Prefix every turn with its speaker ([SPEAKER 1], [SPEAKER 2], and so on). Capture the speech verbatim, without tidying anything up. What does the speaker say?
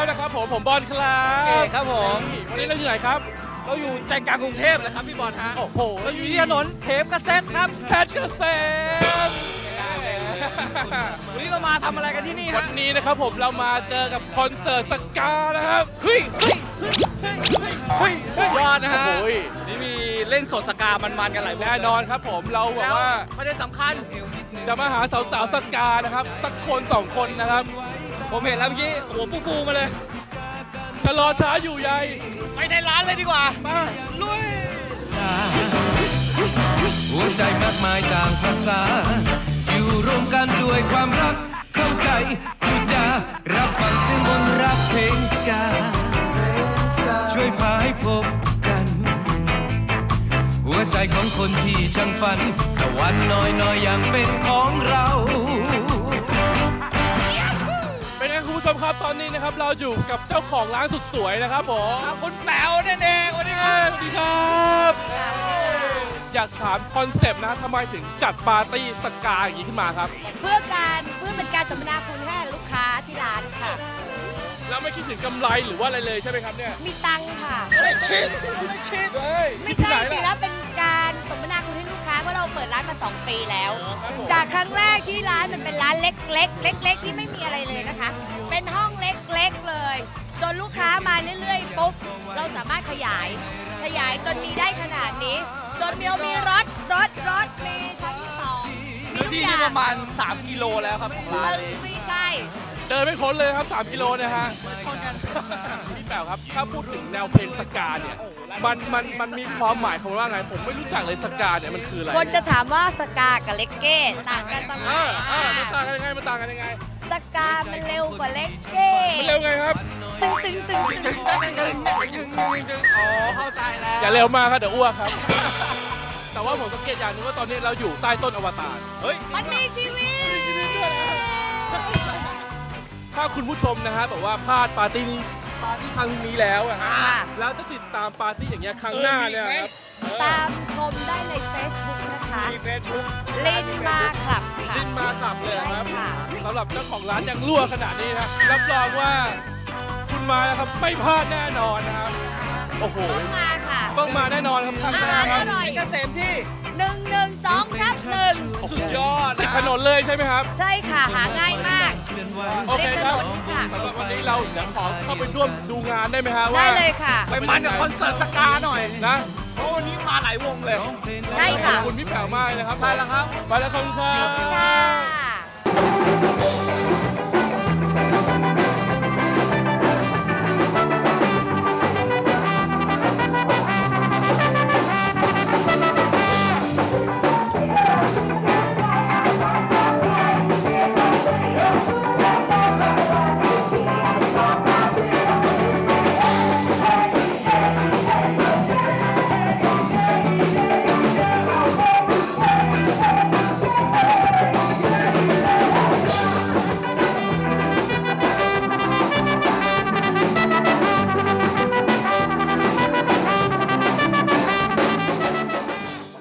[SPEAKER 1] นะครับผมผมบอลครับ
[SPEAKER 2] เอกครับผม
[SPEAKER 1] วันนี้เราอยู่ไหนครับ
[SPEAKER 2] เราอยู่ใจกลางกรุงเทพเลยครับพี่บอลฮะ
[SPEAKER 1] โอ้โห
[SPEAKER 2] เราอยู่ที่ถนนเทพกระเซ็ตครับ
[SPEAKER 1] เพชรเกษม
[SPEAKER 2] วันนี้เรามาทำอะไรกันที่นี่
[SPEAKER 1] วั
[SPEAKER 2] ฮะ
[SPEAKER 1] นนี้นะครับผมเรามาเจอกับคอนเสิร์ตสกานะครับเฮ้ยเฮ้ยเฮ้ยเฮ้ยเฮ้ย
[SPEAKER 2] เฮ้ยสุดยอดนะฮะ
[SPEAKER 1] โอ้ย
[SPEAKER 2] นี่มีเล่นสดสกามันๆกันหลาย
[SPEAKER 1] แน่นอนครับผมเราแบบ
[SPEAKER 2] แล้ว
[SPEAKER 1] ว่า
[SPEAKER 2] ประเด็นสำคัญ
[SPEAKER 1] จะมาหาสาวๆสกานะครับสักคนสองคนนะครับ
[SPEAKER 2] ผมเห็นแล้วเมื่อกี้หัวฟูๆมาเลย
[SPEAKER 1] จะรอช้าอยู่ใย
[SPEAKER 2] ไปในร้านเลยดีกว่า
[SPEAKER 1] มา
[SPEAKER 2] ลุย
[SPEAKER 3] หัวใจมากมายต่างภาษา อยู่รวมกันด้วยความรักเข้าใจพูดจารับฟังเสียงมนต์รักเพลงสกาช่วยพาให้พบกัน หัวใจของคนที่ช่างฝัน สวรรค์น้อยๆ อย่างเป็นของเรา
[SPEAKER 1] เป็นไงคุณผู้ชมครับตอนนี้นะครับเราอยู่กับเจ้าของร้านสุดสวยนะครับผม
[SPEAKER 2] คุณแป๋วนั่นเองวันนี้
[SPEAKER 1] สวัสดีครับอยากถามคอนเซปต์นะทำไมถึงจัดปาร์ตี้สกาอย่างนี้ขึ้นมาครับ
[SPEAKER 4] เพื่อการเพื่อเป็นการสัมมนาคุณให้ลูกค้าที่ร้านค่ะ
[SPEAKER 1] แล้วไม่คิดถึงกำไรหรือว่าอะไรเลยใช่ไหมครับเนี่ย
[SPEAKER 4] มีตังค์ค่ะ
[SPEAKER 1] ไม่คิดไม่คิดเลย
[SPEAKER 4] ไม่ใช่จริงๆแล้วเป็นการสัมมนาคุณให้ลูกค้าเพราะเราเปิดร้านมาสองปีแล้ว
[SPEAKER 1] ครับผม
[SPEAKER 4] จากครั้งแรกที่ร้านมันเป็นร้านเล็กๆ เล็ก ๆ ที่ไม่มีอะไรเลยนะคะ เป็นห้องเล็กๆเลย จนลูกค้ามาเรื่อยๆปุ๊บเราสามารถขยาย ขยายจนมีได้ขนาดนี้ จนเรามีรถรถรถมีชั้นที่สองมี
[SPEAKER 2] พื้น
[SPEAKER 4] ทุก
[SPEAKER 2] ที่
[SPEAKER 4] อย่า
[SPEAKER 2] นี่
[SPEAKER 4] ง
[SPEAKER 2] ประมาณสามกิโลแล้วครับของร้านนี้
[SPEAKER 4] ไม่ใช่
[SPEAKER 1] เดินไม่พ้นเลยครับสามกิโลเนี่ยฮะ
[SPEAKER 2] ชนกัน
[SPEAKER 1] พี่แป๋วครับถ้าพูดถึงแนวเพลงสกาเนี่ยมันมันมันมีความหมายของมันว่าไงผมไม่รู้จักเลยสกาเนี่ยมันคืออะไร
[SPEAKER 4] คนจะถามว่าสกากับเลกเก้ต่างกันตรงไหน
[SPEAKER 1] อ่าอ่ามัน
[SPEAKER 4] อ่า
[SPEAKER 1] ต่างกันยังไงมันต่างกันยังไง
[SPEAKER 4] สกามันเร็วกว่าเลกเก้
[SPEAKER 1] มันเร็วไงครับ
[SPEAKER 4] ตึงตึงตึงตึงตึงตึงตึง
[SPEAKER 2] อ๋อเข้าใจแล้ว
[SPEAKER 1] อย่าเร็วมากครับเดี๋ยวอ้วกครับ แต่ว่าผมสังเกตอย่างหนึงว่าตอนนี้เราอยู่ใต้ต้นอวตาร
[SPEAKER 2] เฮ้ย
[SPEAKER 4] มันมีชีวิต
[SPEAKER 1] ถ้าคุณผู้ชมนะฮะแบบว่าพลาดปาร์ตี้นี้ปาร์ตี้ครั้งนี้แล้วอะฮะ
[SPEAKER 4] ค่ะ
[SPEAKER 1] แล้วจะติดตามปาร์ตี้อย่างเงี้ยครั้งหน้าเนี่ยครับ
[SPEAKER 4] ตามชมได้ใน Facebook นะคะ
[SPEAKER 2] มีเฟซบุ๊ก
[SPEAKER 4] ลินมาคลับค่ะ
[SPEAKER 1] ลินมาขับเลยครับ
[SPEAKER 4] ใช่ค่ะ
[SPEAKER 1] สำหรับเจ้าของร้านยังรั่วขนาดนี้นะรับรองว่าคุณมานะครับไม่พลาดแน่นอนนะครับโอ้โห
[SPEAKER 4] ต้องมาค่ะ
[SPEAKER 1] ต้องมาแน่นอนครับครั้ง
[SPEAKER 4] อา
[SPEAKER 1] หน้า
[SPEAKER 4] หาร
[SPEAKER 1] ค
[SPEAKER 4] อ
[SPEAKER 1] รับ
[SPEAKER 4] ร่อย
[SPEAKER 2] เกษมที่
[SPEAKER 4] หนึ่งหนึ่งสองทับหนึ่ง
[SPEAKER 2] สุดยอด
[SPEAKER 1] ติดถนนเลยใช่ไหมครับ
[SPEAKER 4] ใช่ค่ะ หาง่ายมาก
[SPEAKER 1] โอเคครับ
[SPEAKER 4] ริมถนนค่ะ
[SPEAKER 1] สำหรับวันนี้เราเดี๋ยวขอเข้าไปร่วมดูงานได้ไหมฮะว่า
[SPEAKER 4] ได้เลยค่ะ
[SPEAKER 2] ไปมันกับคอนเสิร์ตสกาหน่อย
[SPEAKER 1] นะ
[SPEAKER 2] เพราะวันนี้มาหลายวงเลย
[SPEAKER 4] ใช่
[SPEAKER 1] ขอ
[SPEAKER 4] ค่ะ
[SPEAKER 1] บคุณพี่แป๋วมากเลยนะครับ
[SPEAKER 2] ใช่แล้วครับ
[SPEAKER 1] ไปแล้วครับ
[SPEAKER 4] ค่ะ